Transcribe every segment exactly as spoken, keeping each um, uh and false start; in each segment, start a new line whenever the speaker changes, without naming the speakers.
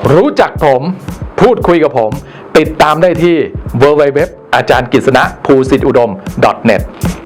รู้จักผมพูดคุยกับผมติดตามได้ที่ ดับเบิลยู ดับเบิลยู ดับเบิลยู ดอท อาจารย์กฤษณะภูสิทธิอุดม ดอท เน็ต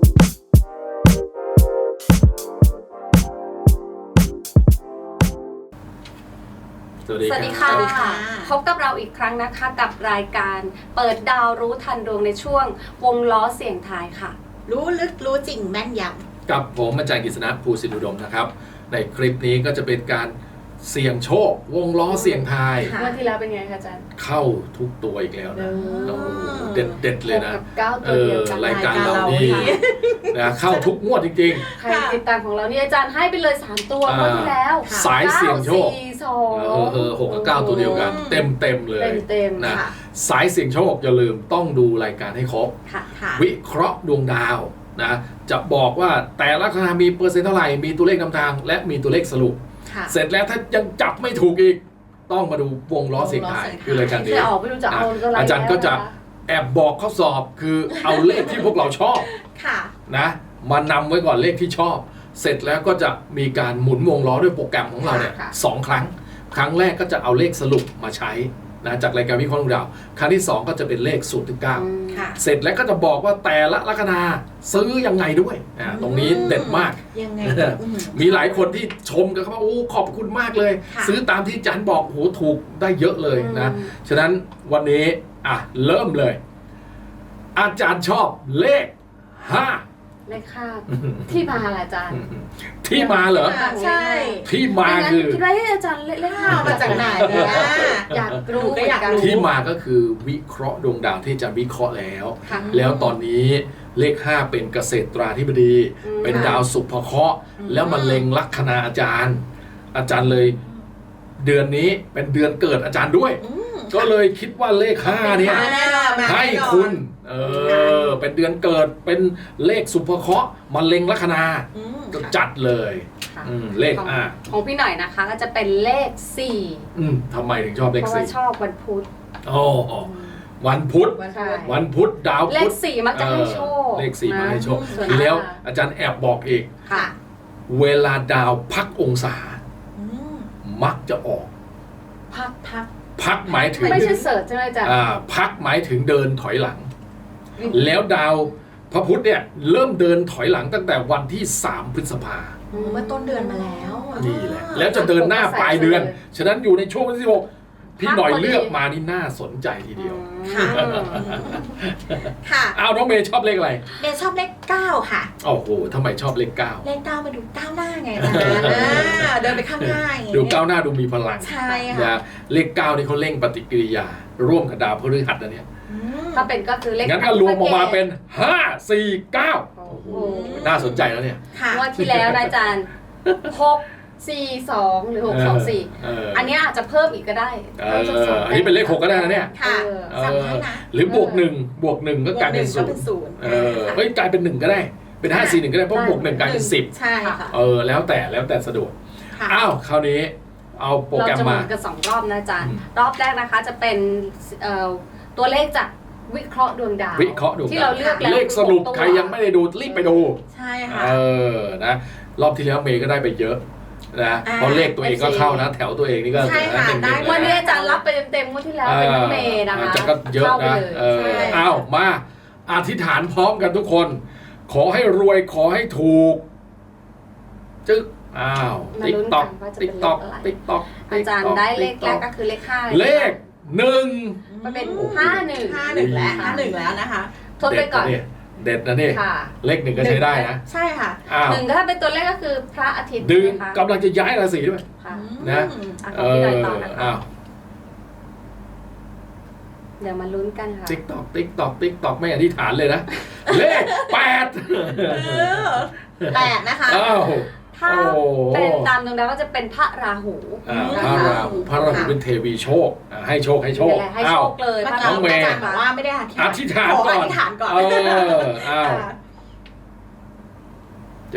สวัสดี
สวัสดีค่ะ
รับ
พบกับเราอีกครั้งนะคะกับรายการเปิดดาวรู้ทันดวงในช่วงวงล้อเสียงทายค่ะ
รู้ลึกรู้จริงแม่นย
กับผมอาจารย์กฤษณะภูสิทธิอุดมนะครับในคลิปนี้ก็จะเป็นการเสี่ยงโชควงล้อเสี่ยงทาย
ค่ะ
เมื่อที่แล้วเป็นไงคะอาจารย์
เข้าทุกตัวอีกแล้วนะ
โอ้
โอ้โหเด็ดเด็ดเลยนะ
หกกับเก้า
เอ
ตัวเดี
อ
ยวกัน
รายการ
รายการ
เรา
เรา
นี่
ค่ะ
นะเข้าทุกงวดจริง
ใครติดตามของเรานี่อาจารย์ให้ไปเลยสามตัว
อ่า
เมื่อที่แล้ว
สายเสี่ยงโชค
เก้าสี่สอ
ๆ
ง
เออเออหกกับเก้าตัวเดียวกัน เต็มเต็มๆเลย
เต็มเต็ม
นะ
ค่ะ
สายเสี่ยงโชคอย่าลืมต้องดูรายการให้ครบ
ค่ะ
ค่ะ
วิเคราะห์ดวงดาวนะจะบอกว่าแต่ละคณะมีเปอร์เซ็นต์เท่าไหร่มีตัวเลขนำทาง และมีตัวเลขสรุป
ค่ะ
เสร็จแล้วถ้ายังจับไม่ถูกอีก ต้องมาดูวงล้อเสียงทาย
วงล้อเสียงทาย
คือรายการนี้
จะออกไม่รู้จะเอาก็ไร
อาจารย์ก็จะแอบบอกข้อสอบคือเอาเลขที่พวกเราชอบ
ค่ะ
นะมานำไว้ก่อนเลขที่ชอบ เสร็จแล้วก็จะมีการหมุนวงล้อด้วยโปรแกรมของเราเนี่ยสองครั้ง ครั้งแรกก็จะเอาเลขสรุปมาใช้นะจากรายการวิเคราะห์ดวงดาวครั้งที่สองก็จะเป็นเลขศูนย์ถึงเก้า
อืม
ค่ะ
เสร็จแล้วก็จะบอกว่าแต่ละลัคนาซื้อยังไงด้วยอ่าตรงนี้เด็ดมาก
ยังไง
เออ
อื้อหือ
มีหลายคนที่ชมกันครับว่าโอ้ขอบคุณมากเลย
ค่ะ
ซื้อตามที่อาจารย์บอกโหถูกได้เยอะเลยนะ
อืม
ฉะนั้นวันนี้อ่ะเริ่มเลย อาจารย์ชอบเลขห้า
เลขห้าที่มาล่ะอาจารย์
ที่มาเหรอ
ค่ะใช่
ที่มาคือ
คิดว่าให้อาจารย์เลขเลขห้า
เอามาจากไหนเนี่ย
อยากรู้
หนูก็อยากรู้
ที่มาก็คือวิเคราะห์ดวงดาวที่อาจารย์วิเคราะห์แล้ว
ค่ะ
แล้วตอนนี้เลขห้าเป็นเกษตราธิบดี
อืม
เป็นดาวสุภเคราะห์
อืม
แล้วมันเล็งลัคนาอาจารย์ อาจารย์เลยเดือนนี้เป็นเดือนเกิดอาจารย์ด้วย
อืม
ก็เลยคิดว่าเลขห้าเนี่ย
มาแน่นอนมา
ให้
แน่นอน
คุณเออเป็นเดือนเกิดเป็นเลขสุภเคราะห์มันเล็งลัคนา
อืม
ก็จัดเลย
ค่ะ
อืมเลข
ของ
ห้า
ของพี่หน่อยนะคะก็จะเป็นเลขสี่
อืมทำไมถึงชอบเล
เพ
ข
ราะว่า
สี่
ชอบวันพุธ
อ๋ออ๋อวันพุธ
วัน
ใช่
พุธ
วันพุธดาว
เล
พุ
ข
ธ
สี่มักจะให้โชค
เลขสี่มาให้โชค
ส่วน
ทีแล้ว
ห้า
อาจารย์แอบบอกอีก
ค่ะ
เวลาดาวพักองศา
อืม
มักจะออก
พักพัก
พักหมายถึง
ไม่ใช่เสิร์ชใช่ไหมอาจารย์
อ่าพักหมายถึงเดินถอยหลัง แล้วดาวพระพุธเนี่ยเริ่มเดินถอยหลังตั้งแต่วันที่สามพฤษภา
เมื่อต้นเดือนมาแล้ว
นี่แหละแล้วจะเดินหน้าปลายเดือน ฉะนั้นอยู่ในช่วงวันที่สิบหกพี่หน่อยเลือกมานี่น่าสนใจทีเดียว
ค่ะ ค่ะ
อ้าวน้องเมย์ชอบเลขอะไร
เมย์ชอบเลขเก้าค่ะ
โอ้โหทำไมชอบเลขเก้า
เลขเก้ามาดูก้าวหน้าไงนะอ่าเดินไปข้างหน้าอย่างงี้
ดูก้าวหน้าดูมีพลัง
ใช่
นะ
ค่ะ
เลขเก้านี่เขาเร่งปฏิกิริยา ร่วมกับดาวพฤหัสนะเนี่ย
อืม
ถ้าเป็นก็คือเลข
งั้นก็รวมออกมาเป็นห้า สี่ เก้า
โอ้
โอ้
โห
โหน่าสนใจแล้วเนี่ย
ค่ะ
งวดที่แล้วนะอาจารย์หกสี่สองหรือหกสองสี่
เออ
อันเนี้ยอาจจะเพิ่มอีกก็ได้
เอออันนี้เป็นเลขหกก็ได้นะเนี่ย
ค่ะ
เออ
เอ
สาม
อ
ให้นะ
หรือบวกหนึ่งบวกหนึ่งก็กลายเป็นศู
ก็
น
เป็น
ย์
ศูนย์
เออเฮ้ยกลายเป็นหนึ่งก็ได้ เป็นห้าสี่หนึ่งก็ได้เพราะบวกหนึ่งกลายเป็นสิบ
ใช่ค่ะ
เออแล้วแต่แล้วแต่สะดวก
ค่ะ
อ้าวคราวนี้เอาโปร
เรา
แกรม
จะหมุ
มา
นกันสองรอบนะอาจารย์
อืม
รอบแรกนะคะจะเป็นเอ่อตัวเลขจากวิเคราะห์ดวงดาว
วิเคราะห์ดู
ที่เราเลือกแล้ว
เลขสรุป
ตัว
ใครยังไม่ได้ดูรีบไปดู
ใช่ค่ะ
เออนะรอบที่แล้วเมย์ก็ได้ไปเยอะนะ
อ่า
เพราะเลขตัวเองก็เข้านะ แถวตัวเองนี่ก็
ใช่ค่ะ
หนึ่งห
ได้
นึ่ง
วัน
เลย
นี้
นะ
อาจารย์รับไปเต็มๆงวดที่แล้วเป็นน้องเมย์นะคะ
จะก็เยอะ
ข้าไป
นะ
เลย
เออ
ใช่
อ้าวมาอธิษฐานพร้อมกันทุกคน ขอให้รวยขอให้ถูก จึ๊กอ้าว
มา
ติ๊ก
ลุ้น
ต็
กั
อก
นว่าจะ
ติ๊
เป็
ก
นเล
ต็อก
ขอะไร
ติ๊กต็อก
อาจารย์ได้เลขแรกก็คือเลขห้า
เลขหนึ่ง
มันเป็น
โอ้โ
ห้าหนึ่ง
ห้าหนึ่งแล้วห้าหนึ่งแล้วนะคะ
ทดไปก่อน
เด็ดนะเนี่ย
ค่ะ
เลขหนึ่งก็ใช้ได้นะ
ใช่ค่ะ
อ้าว
หนึ่งก็ถ้าเป็นตัวเลขก็คือพระอาทิตย์
ดึง
นะคะ
กำลังจะย้ายราศีด้วย
ค่ะ
นะ
อืม
อ่ะข
เอ
องพี่หน่อย
อ
ต่อนะคะ
อ้าว
เดี๋ยวมาลุ้นกันค่ะ
ติ๊กต็อกติ๊กต็อกติ๊กต็อกไม่อธิษฐานเลยนะ เลขแปด
เออแปดนะคะ
อ้าว
ถ้า
โอ้
เป็นตามดวงดาวก็จะเป็นพระราหู
อ่าพระราหูพระราหูเป็นเทวีโชคอ่าให้โชคให้โชค
นี่แหละให้โช
อ้าว
คเลย
เมื่
พ
อ
ระ
กี้
ราหู
เมย์
อาจารย์บอกว่าไม่ได้อธิษ
อ
ฐาน
ธิษฐาน
ขอ
ก่อน
อธิษฐานก่อน
เอออ้าว
ค่ะ
จึ๊ก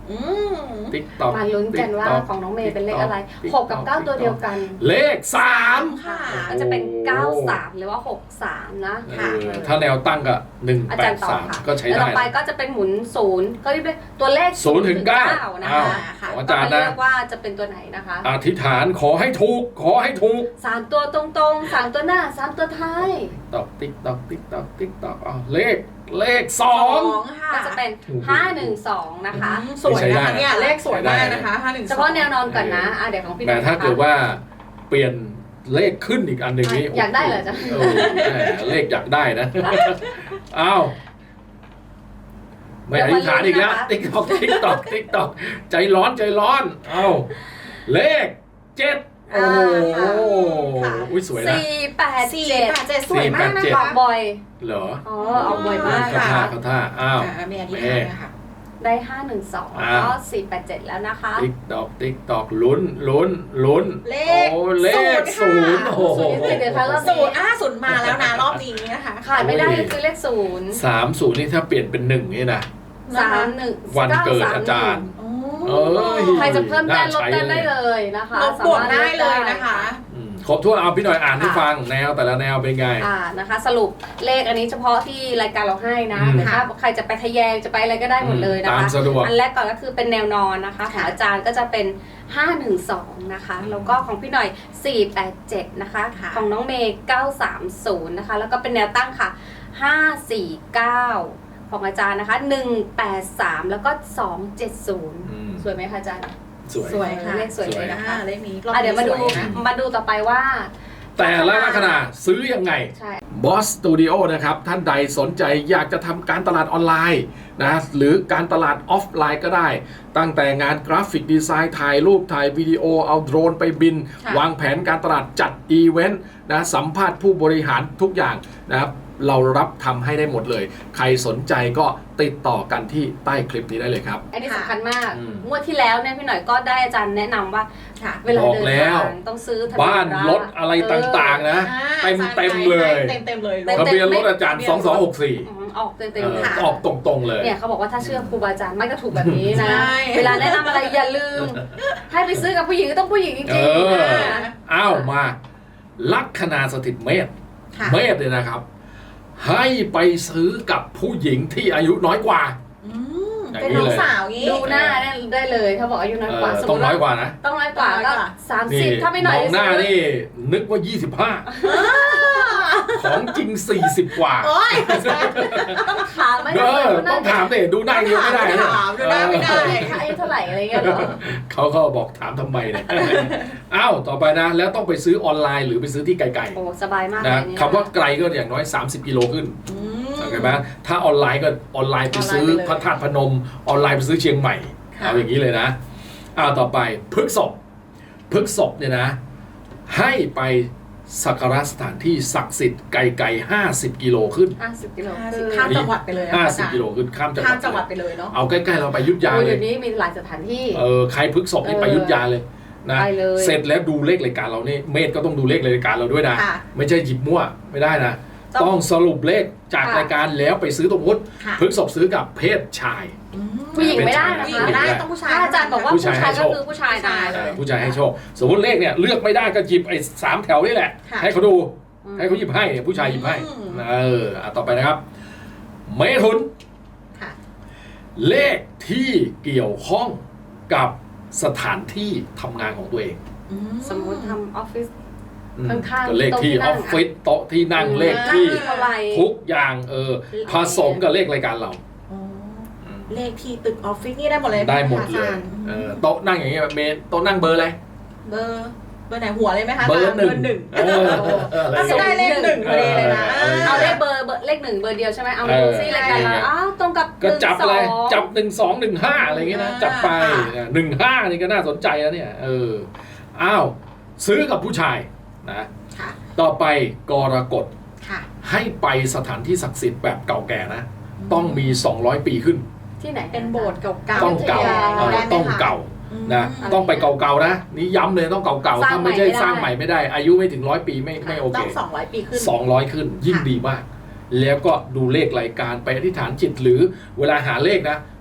อืม
ติ๊กตอก
มาลุ้นกันว่าของน้องเมย์เป็นเลขอะไรหกกับเก้าตัวเดียวกัน
เลขสาม
ค่ะ
ก็จะเป็นเก้าสามหรือว่าหกสามนะ
เออถ้าแนวตั้งก็หนึ่ง
อา
แป
จาร
ด
ย์ต่อ
สาม
ค่ะ
ก็ใช้
แล้ว
ได้
ต่อไป
นะ
ก็จะเป็นหมุนศูนย์ก็จะเป็นตัวเลข
ศูนย์ถึงเก้า
นะ
อ้าว
คะ
ของอา
ก็
จาร
มา
ย์
เลื
นะ
อกว่าจะเป็นตัวไหนนะคะ
อธิษฐานขอให้ถูก ขอให้ถูก
สามตัวตรงๆสามตัวหน้าสามตัวท้าย
ตอกติ๊กตอกติ๊กตอกติ๊กตอกอ้าวเลขเลขสอง
ค่ะ
ก็จะเป็นห้าหนึ่งสองนะคะ
สวยนะคะเนี่ยเลขสวยมากนะคะห้าหนึ่ง
เฉพาะแนวนอนก่อนนะอ่ะเดี๋ยวของพี่ห
แต่
นุ่ย
ถ้า
นะคะ
เกิดว่าเปลี่ยนเลขขึ้นอีกอันหนึ่งนี้
อยากได้เหรอจ๊ะ
เออแหมเลขอยากได้นะ อ้าวไม่อธิษฐานอีกแล้วติ๊กตอกติ๊กตอกติ๊กตอกใจร้อนใจร้อนเอ้าเลขเจ็ดโอ้โหอุ้ยสวยนะ
สี่แปด
สี่
เจ็ด
แปดเจ็ดสวยมากนะ
สี่แปดเจ็ด
อ
คะ
อกบ่อย
เหรอ
อ๋อออกบ่อยมาก
เขา
นะ
ท่า
คะ
เขาท่าอ้าว
อ่าเมย์อธิษฐานนะคะ
ได้ห้าหนึ่งสอง
อ่า
แล้วก็สี่แปดเจ็ดแล้วนะคะ
ติ๊กตอกติ๊กตอกลุ้นลุ้นลุ้น
เลข
โอ้เลขศูนย์
ค่ะ
โอ้โห
ศูนย์เดี๋ยวคะรอบ
ศู
นี้
นย์อ่าศูนย์มาแล้วนะรอบนี้นะคะ
ขาดไม่ได้ก็คือเลขศูนย์
สามศูนย์นี่ถ้าเปลี่ยนเป็นหนึ่งนี่นะ
สามหนึ่ง
วันเกิดอาจารย์
โอ้
เอ้ย
ใครจะเพิ่มแต้มลด
น่าใช้
แต้ม
เลย
ได้เลยนะคะ
ลบบวกได้เลยนะคะ
อืมครบถ้วนเอาพี่หน่อยอ่านให้ฟังแนวแต่ละแนวเป็นไง
อ่านะคะ สรุปเลขอันนี้เฉพาะที่รายการเราให้นะ
อืม
แต่ถ้าใครจะไปทะแยงจะไปอะไรก็ได้หมดเลยนะ
ตาม
คะ
สะดวก
อันแรกก่อนก็คือเป็นแนวนอนนะคะของ
ค่ะ
อาจารย์ก็จะเป็นห้าหนึ่งสองนะคะแล้วก็ของพี่หน่อยสี่แปดเจ็ดนะคะ
ค่ะ
ของน้องเมย์เก้าสามศูนย์นะคะแล้วก็เป็นแนวตั้งค่ะห้าสี่เก้าของอาจารย์นะคะหนึ่งแปดสามแล้วก็สองเจ็ดศูนย์
อืม
สวยไหมคะอาจารย์
สวย
สวยค่ะ
เลขสวยเลยนะคะ
อ่าเลขนี้รอบ
อ่ะเดี๋ยวมาดู
สนะ
มาดูต่อไปว่า
แต่ละลัคนาซื้อยังไง
ใช่
Boss Studio นะครับ ท่านใดสนใจอยากจะทำการตลาดออนไลน์นะหรือการตลาดออฟไลน์ก็ได้ ตั้งแต่งานกราฟิกดีไซน์ถ่ายรูปถ่ายวิดีโอเอาโดรนไปบิน
ค่ะ
วางแผนการตลาดจัดอีเวนต์นะสัมภาษณ์ผู้บริหารทุกอย่างนะครับเรารับทำให้ได้หมดเลย ใครสนใจก็ติดต่อกันที่ใต้คลิปนี้ได้เลยครับ
อันนี้สำคัญมาก
อืม
งวดที่แล้วเนี่ยพี่หน่อยก็ได้อาจารย์แนะนำว่า
ค่ะ
เวลา
บอก
เดิน
แล้ว
ทางต้องซื้อทะเบีย
บ้าน
น
รถอะไรต่างๆนะ เต็มเต็มๆเลย
เต็มเต็มๆเลย
ต็ม
ทะเบียนรถอาจารย์ สองสองหกสี่
อืมออกเต็ม
เอ
ๆ
อ
ค่ะ
ออกตรงๆเลย
เนี่ยเขาบอกว่าถ้าเชื่อครูบาอาจารย์ไม่ก็ถูกแบบนี้นะ
ใช่
เวลาแนะนำอะไรอย่าลืม ให้ไปซื้อกับผู้หญิงก็ต้องผู้หญิงจ
เอ
ริง
อ
ๆนะ
อ้าวมา ลัคนาสถิตเมษ
ค่ะ
เมษเนี่ยนะครับ ให้ไปซื้อกับผู้หญิงที่อายุน้อยกว่า
อืม
อย่าง
เป็น
นี้
น้อ
เล
ง
ย
สาวงี้
ดูหน้าได้ได้เลยถ้าบอกอายุน้อยกว่า
เออ
สม
ต้
ม
อง
ติ
น้
ว่า
อยกว่านะ
ต้องน้อยกว่าก็สาม
นี่
สิบถ้าไม่หน่อย
มองหน้า
ซื้อ
นี่ นึกว่า ยี่สิบห้า ของจริง สี่สิบ กว่า
โอ้ย
ต้องถามไหม
เออต้องถามเด็ดูหน้าอย่างเดียวไม่ได้นะ
ถามดูหน้าไม่ได้
อายุเท่าไหร่อะไรเงี้ยเหรอ
เขาก็บอกถามทำไมเนี่ย อ้าวต่อไปนะ แล้วต้องไปซื้อออนไลน์หรือไปซื้อที่ไกล
โอ้สบายมาก
ๆ
เลย
นะ
เนี่ย
คำว่าไกลก็อย่างน้อย สามสิบ กิโลขึ้น
อืม
โอเคไหมถ้าออนไลน์ก็ออนไลน์ไปซื้อ
ออนไลน์ไปเลย
พระธาตุพนม ออนไลน์ไปซื้อเชียงใหม่
ค่ะ
เอาอย่างนี้เลยนะอ้าวต่อไปพฤกษภพฤกษภเนี่ยนะ ให้ไปสักการะสถานที่ศักดิ์สิทธิ์ไกลๆห้าสิบกิโลขึ้น
ห้าสิบกิโล
ข้ามจังหวัดไปเลยอะ
ห้า
อา
สิบ
จารย์
กิโลขึ้นข้ามจังห
ข้า
วั
ม
ด
จังหวัดไปเลยเนาะ
เอาใกล้ๆเราไปอยุทธยา
โอ้
เล
เดี๋
ย
ยวนี้มีหลายสถานที่
เออใครพฤกษภนี่ไปอยุทธยาเลยนะ
ไปเลย
เสร็จแล้วดูเลขรายการเรานี่เมธก็ต้องดูเลขรายการเราด้วยนะ
ค่ะ
ไม่ใช่หยิบมั่วไม่ได้นะ
ต้อง
ต้องสรุปเลขจาก
ค่ะ
รายการแล้วไปซื้อตรงวุฒิ
ค่ะ
พฤกษภซื้อกับเพศชาย
อืม
ผู้หญิงไม่ได้นะ
ผู้หญิง
คะ
ไม่ได้ต้องผู้ชาย
ถ้าอาจารย์บอกว่า
ผู้
ผู้
ชาย
ชาย
ให้โช
ก็
ค
คือผู้ชายนะ
เออผู้ชายให้โชค สมมติเลขเนี่ยเลือกไม่ได้ก็หยิบไอ้สามแถวนี่แหละ
ค่ะ
ให้เขาดู
อืม
ให้เขาหยิบให้ผู้ชายหยิบให้
อืม
เอออ่ะต่อไปนะครับ เมถุน
ค่ะ
เลขที่เกี่ยวข้องกับสถานที่ทำงานของตัวเอง
อื
สมมุติทำออฟฟิศ
อืม
ข้างๆ
ก็เลขที่
โต๊ะที่นั่
ออง ฟฟิศโต๊ะที่นั่ง
อืม
เลขที่
เท่าไหร่
ทุกอย่างเออผสมกับเลขรายการเรา
อ๋อเลขที่ตึกออฟฟิศนี่ได้หมดเลย
ได้หมดเลย
อาจาร
เออโต๊ะนั่งอย่างเงี้ยเมนโต๊ะนั่งเบอร์อะไร
เบอร์เบอร์ไหนหัวเลยไหมคะ
เบอร์หนึ่ง
หนึ่ง
เออเอออะไร
ก็
อย่าง
ได้
เงี้ย
เลขหนึ่งพอดีเลยนะ
เออ
เอาเลขเบอร์เบอร์เลขหนึ่งเบอร์เดียวใช่ไหมเอามา
เออ
ดูซิรายการเราอ้าวตรงกับ
ก็จับ
หนึ่ง
เลย
สอง
จับหนึ่งสองหนึ่งห้าอะไรเงี้ยนะจับไป
ค่ะ
หนึ่งห้านี่ก็น่าสนใจแล้วเนี่ยเอออ้าวซื้อกับผู้ชายนะ
ค่ะ
ต่อไปกรกฎ
ค่ะ
ให้ไปสถานที่ศักดิ์สิทธิ์แบบเก่าแก่นะ ต้องมีสองร้อยปีขึ้น
ที่ไหน
เป็นโบสถ์เก่าๆ
ต้องเก่า
อยุธย
เออ
ได้ไหม
ต้อง
คะ
เก่า
อืม
นะต้องไปเก่าๆนะนี่ย้ำเลยต้องเก่าๆถ้าไม่ใช่สร้างใหม่ไม่ได้ อายุไม่ถึงร้อยปีไม่ไม่โอเค
ต้องสองร้อยปีขึ้น
สองร้อยขึ้นยิ่ง
ค่ะ
ดีมาก แล้วก็ดูเลขรายการไปอธิษฐานจิตหรือเวลาหาเลขนะ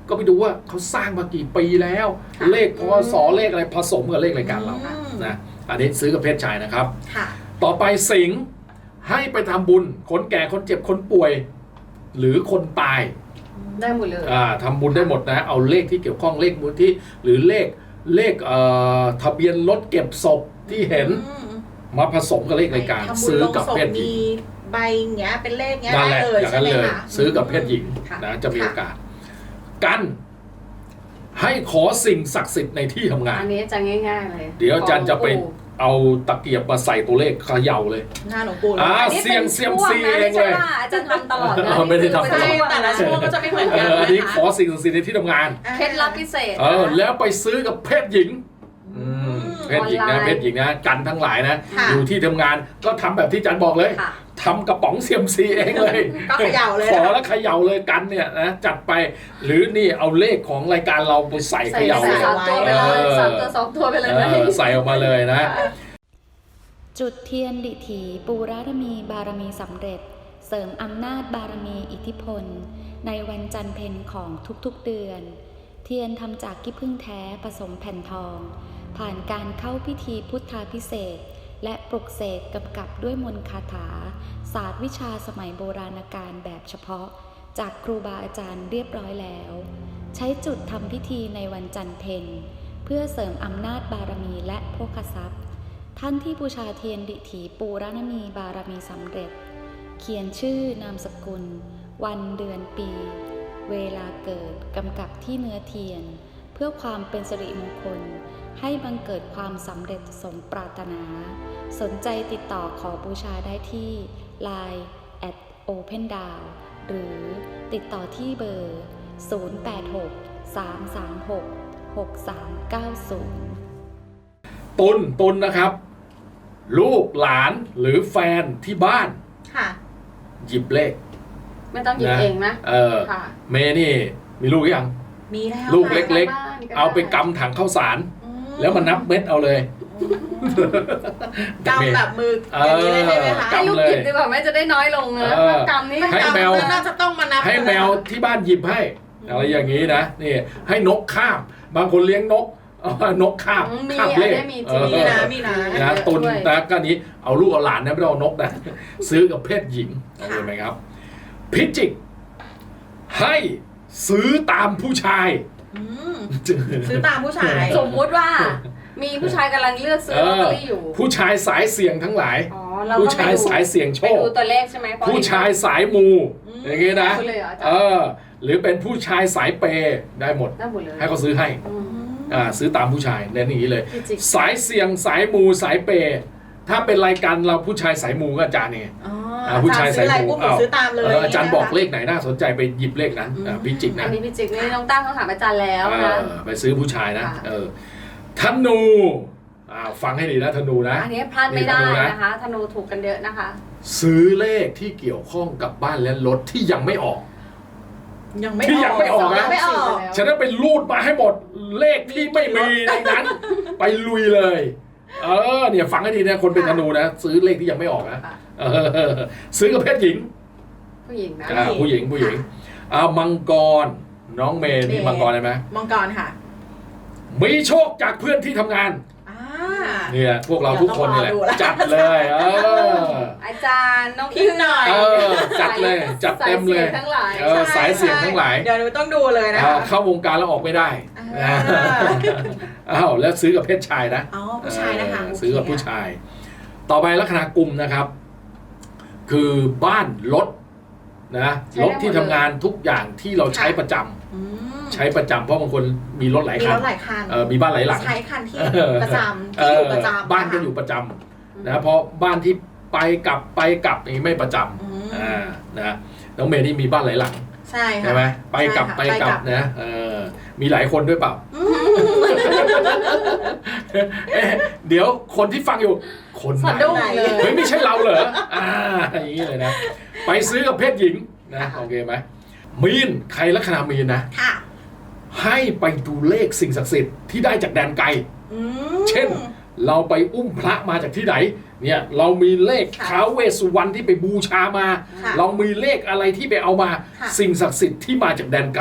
ก็ไปดูว่าเขาสร้างมากี่ปีแล้ว
ค่ะ
เลขพศเลขอะไรผสมกับเลขรายการเรา
อืม
นะอันนี้ซื้อกับเพศชายนะครับ
ค่ะ
ต่อไปสิงห์ให้ไปทำบุญคนแก่คนเจ็บคนป่วย หรือคนตาย
ได้หมดเลย
อ่าทำบุญได้หมดนะเอาเลขที่เกี่ยวข้องเลขมูลที่หรือเลขเลขเอ่อทะเบียนรถเก็บศพที่เห็น
อืม
มาผสมกับเลขรายการ
ทำบุญ
ซื้อ
ลง
กับ
ศพ
เพศหญิง
มีใบอย่างเงี้ยเป็นเลขเงี้ย
นั่น
ได้
แหละ
เลย
อย่าง
ใช่
นั้น
ไหม
เลย
คะ
ซื้อกับเพศหญิง
ค่ะ
นะจะมี
ค่ะ
โอกาสกันให้ขอสิ่งศักดิ์สิทธิ์ในที่ทำงาน
อันนี้จะง่ายๆเลย
เดี๋ยวอาจารย์จะไป
ของปู่
เอาตะเกียบมาใส่ตัวเลขเขย่าเลย
หน้าหลวงปู่เลย
อ่า
อันนี้
เสี่ยง
ป็น
เสี่ยม
ช่ว
ซี
นะ
เองเลย
ไม่ใช่ว่าอาจารย์ทำตลอดนะ
เออไม่ได้ทำตลอด
เป็น
ใช่
ช่วง
แต่ละ
นะ
ช่วงก็จะไม่เหมือน
เอ
กัน
ออันนี้
นะคะ
ขอสิ่งศักดิ์สิทธิ์ในที่ทำงาน
เคล็ดลับพิเศษ
เออแล้วไปซื้อกับเพศหญิงอืมเพศหญิง
ออน
นะ
ไลน์
เพศหญิงนะกันทั้งหลายนะ
ค่ะ
อยู่ที่ทำงานก็ทำแบบที่อาจารย์บอกเลย
ค่ะ
ทำกระป๋องเซียมซีเองเลย
ก็เขย่าเลย
ขอ
นะ
แล้วเขย่าเลยกันเนี่ยนะจัดไป หรือนี่เอาเลขของรายการเราไปใส่เข
ใส่
ย่า
ใส่
เลย
สามตัวไปเลยสามตัวสองตัวไปเลย
เอ
ไหม
อใส่ออกมาเลยนะ
จุดเทียนดิถีปูรารมีบารมีสำเร็จ เสริมอำนาจบารมีอิทธิพล ในวันจันทร์เพ็ญของทุกๆเดือน เทียนทำจากขี้ผึ้งแท้ผสมแผ่นทอง ผ่านการเข้าพิธีพุทธาพิเศษกและปลุกเสกกำกับด้วยมนต์คาถา ศาสตร์วิชาสมัยโบราณกาลแบบเฉพาะ จากครูบาอาจารย์เรียบร้อยแล้ว ใช้จุดทำพิธีในวันจันทร์เพ็ญเพื่อเสริมอำนาจบารมีและโภคทรัพย์ ท่านที่บูชาเทียนดิถีปูรณมีบารมีสำเร็จ เขียนชื่อนามสกุล วันเดือนปี เวลาเกิดกำกับที่เนื้อเทียน เพื่อความเป็นสิริมงคล ให้บังเกิดความสำเร็จสมปรารถนา สนใจติดต่อขอบูชาได้ที่ ไลน์ แอท โอเพนดาว หรือติดต่อที่เบอร์ ศูนย์ แปด หก สาม สาม หก หก สาม เก้า ศูนย์
ตุนตุนนะครับ ลูกหลานหรือแฟนที่บ้าน
ค่ะ
หยิบเลข
ไม่ต้องหยิบเองนะ
เออ
ค่ะ
เมย์นี่มีลูกหรือยัง
มีแล้ว
ลูก
ค่ะ
เล็ก
บ้านก็ด้
เอาไปกำถังข้าวสาร
อืม
แล้วมานับเม็ดเอาเลย
กำแบบมืออย่างนี้เลยใช่ไหมคะ
กำ
ให้ลูกหยิบดีกว่าแม่จะได้น้อยลงนะ
เออ
กำนี่
ให้แมว
น่าจะต้องมานับ
ให้แมวที่บ้านหยิบให้ อะไรอย่างนี้นะนี่ให้นกคาบบางคนเลี้ยงนกเอานกคาบ
อืมมี
คาบ
อัน
เลข
นี้มีจ
เอ
ริง
อ
มีนะมีนะ
นะตุน
ด้วย
นะก็นี้เอาลูกเอาหลานนะไม่ต้องเอานกนะ ซื้อกับเพศหญิงโอเคไหมครับ พิจิก ให้ซื้อตามผู้ชาย
อืมซื้อตามผู้ชาย
สมมุติว่า มีผู้ชายกำลังเลือกซื้อลอตเตอรี่อยู่
ผู้ชายสายเสี่ยงทั้งหลาย
อ๋อเรา
ผู้
ก็
ชายสายเสี่ยงโช
ไป
ค
ดูตัวเลขใช่ไหมเพระ
ผู้ชายสายมู
อืม
อย่างงี้นะ
ดูเลยเหรออาจารย์
เออ หรือเป็นผู้ชายสายเปย์ได้หมด
ได้หมดเลย
ให้เขาซื้อให้
อืม
อ่าซื้อตามผู้ชายเน้นอย่างนี้เลย
พิจิก
สายเสี่ยงสายมูสายเปย์ถ้าเป็นรายการเราผู้ชายสายมูก็อาจารย์เนี่ย
อ๋อ
อ่าผู้ชาย
ซื้ออะไร
ใส่หมวก
ปุ๊บหนูซื้อตามเลย
เอออาจารย์บอกเล
ข
ขไหนน่าสนใจไปหยิบเลขนั้นอ่าพิจิก
อั
นะ
นนี้พิจิกนี่น้องตั้งคำถามอาจารย์แล้ว
เอ
นะ
อไปซื้อผู้ชายนะ
ค่ะ
เออธนูอ่าฟังให้ดีนะธนูนะ
อันนี้พลาดไม่ได้
นี่ธนูนะ
นะคะธนูถูกกันเยอะนะคะ
ซื้อเลขที่เกี่ยวข้องกับบ้านและรถที่ยังไม่ออก
ยังไม่
ที่ยังไม่ออกนะ
ยังไม่ออก
แล้ว
ฉะนั้นไปรูดมาให้หมดเลขที่ไม่มีในนั้น ไปลุยเลย เออเนี่ยฟังให้ดีนะคนเป็นธนูนะ ซื้อเลขที่ยังไม่ออกนะ
ค่ะ
เออซื้อกับเพศหญิง
ผู้หญิงนะ
อ่าผู้หญิงผู้หญิงอ่ามังกรน้องเมย์นี่มังกรได้ไหม
มังกรค่ะ
มีโชคจากเพื่อนที่ทำงาน
อ่า
เนี่ยพวกเราทุกคนนี่แหละ
เดี๋ยวต้องรอดูแล้ว
จัดเลยเออ
อาจารย์น้อง
พิมพ์หน่อย
เออจัดเลยจัดเต็มเลย
สาสี่งทั้งหลาย
เออสายเสี่ยงทั้งหลาย
เดี๋ยวหนูต้องดูเลยนะ
อ่า
คะ
เข้าวงการแล้วออกไม่ได้
อ่า
อ้าวแล้วซื้อกับเพศชายนะ
อ๋อผู้ชายนะคะ
เออซื้อกับผู้ชาย ต่อไปลัคนากุมนะครับ คือบ้านรถนะรถที่ทำงานทุกอย่างที่เราใช้ประจำ
อืม
ใช้ประจำเพราะบางคนมีรถหลาย
มี
คั
ร
น
ถหลายคัน
เออมีบ้านหลายหลัง
ใช้คันที่
เออ
ประจำ
เอ
ที่อยู่
อ
ประจำ
บ้านก็
ะคะ
อยู่ประจำนะเพราะบ้านที่ไปกลับไปกลับนี่ไม่ประจ
อืม
ำอ่านะน้องเมย์นี่มีบ้านหลายหลัง
ใช่ค่ะ
ใช่ไหมไปกลับ
ใช่
ไป
ค่ะ
กลับนะเออมีหลายคนด้วยเปล่า
อืม
เอ๊ะเดี๋ยวคนที่ฟังอยู่คนไห
สะ
น
ดุ้งเลย
เฮ้ยไม่ใช่เราเหรออ่าอย่างนี้เลยนะไปซื้อกับเพศหญิงนะโอเคไหมมีนใครลัคนามีนนะ
ค่ะ
ให้ไปดูเลขสิ่งศักดิ์สิทธิ์ที่ได้จากแดนไกล
อืม
เช่น เราไปอุ้มพระมาจากที่ไหนเนี่ยเรามีเลข
ค่ะ
ท้าวเวสสุวรรณที่ไปบูชามา
ค่ะ
เรามีเลขอะไรที่ไปเอามา
ค่ะ
สิ่งศักดิ์สิทธิ์ที่มาจากแดนไกล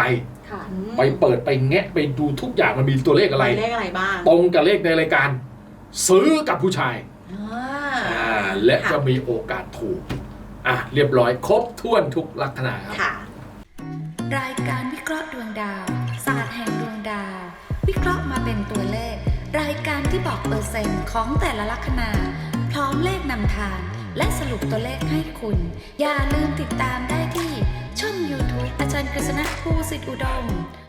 ค่ะ
อืม
ไปเปิดไปแงะไปดูทุกอย่างมันมีตัวเลขอะไร
เลขอะไรบ้าง
ตรงกับเลขในรายการ ซื้อกับผู้ชาย
อ่า
อ่าและ
ค่ะ
จะมีโอกาสถูกอ่ะเรียบร้อยครบถ้วนทุกลัคนาครับ
ค่ะ
รายการวิเคราะห์ดวงดาว ศาสตร์แห่งดวงดาว วิเคราะห์มาเป็นตัวเลข รายการที่บอกเปอร์เซ็นต์ของแต่ละลัคนา พร้อมเลขนำทาง และสรุปตัวเลขให้คุณ อย่าลืมติดตามได้ที่ช่อง YouTube อาจารย์กฤษณะภูสิทธิอุดม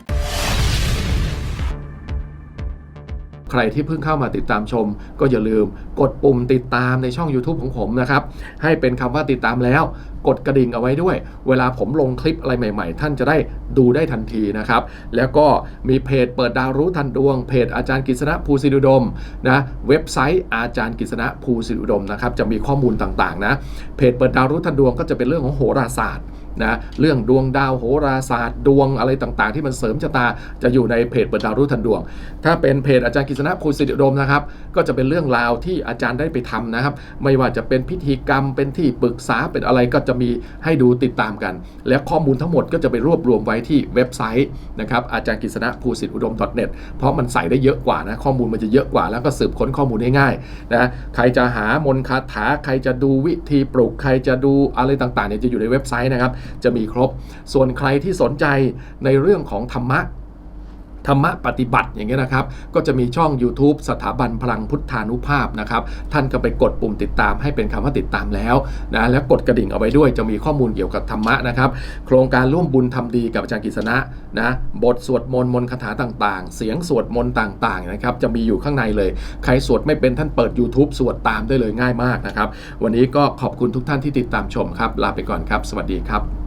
ใครที่เพิ่งเข้ามาติดตามชมก็อย่าลืมกดปุ่มติดตามในช่อง YouTube ของผมนะครับให้เป็นคำว่าติดตามแล้วกดกระดิ่งเอาไว้ด้วยเวลาผมลงคลิปอะไรใหม่ๆท่านจะได้ดูได้ทันทีนะครับแล้วก็มีเพจเปิดดาวรู้ทันดวงเพจอาจารย์กฤษณะภูสิทธิอุดมนะเว็บไซต์อาจารย์กฤษณะภูสิทธิอุดมนะครับจะมีข้อมูลต่างๆนะเพจเปิดดาวรู้ทันดวงก็จะเป็นเรื่องของโหราศาสตร์นะเรื่องดวงดาวโหราศาสตร์ดวงอะไรต่างๆที่มันเสริมชะตาจะอยู่ในเพจเปิดดาวรู้ทันดวงถ้าเป็นเพจอาจารย์กฤษณะภูสิทธิอุดมนะครับก็จะเป็นเรื่องราวที่อาจารย์ได้ไปทำนะครับไม่ว่าจะเป็นพิธีกรรมเป็นที่ปรึกษาเป็นอะไรก็จะมีให้ดูติดตามกันและข้อมูลทั้งหมดก็จะไปรวบรวมไว้ที่เว็บไซต์นะครับอาจารย์กฤษณะภูสิทธิอุดม .net เพราะมันใส่ได้เยอะกว่านะข้อมูลมันจะเยอะกว่าแล้วก็สืบค้นข้อมูลได้ง่ายนะใครจะหามนต์คาถาใครจะดูวิธีปลุกใครจะดูอะไรต่างๆเนี่ยจะอยู่ในเว็บไซต์นะครับจะมีครบส่วนใครที่สนใจในเรื่องของธรรมะธรรมะปฏิบัติอย่างเงี้ยนะครับก็จะมีช่อง YouTube สถาบันพลังพุทธานุภาพนะครับท่านก็ไปกดปุ่มติดตามให้เป็นคำว่าติดตามแล้วนะแล้วกดกระดิ่งเอาไว้ด้วยจะมีข้อมูลเกี่ยวกับธรรมะนะครับโครงการร่วมบุญทำดีกับอาจารย์กฤษณะนะบทสวดมนต์มนต์คาถาต่างๆเสียงสวดมนต์ต่างๆนะครับจะมีอยู่ข้างในเลยใครสวดไม่เป็นท่านเปิด YouTube สวดตามได้เลยง่ายมากนะครับวันนี้ก็ขอบคุณทุกท่านที่ติดตามชมครับลาไปก่อนครับสวัสดีครับ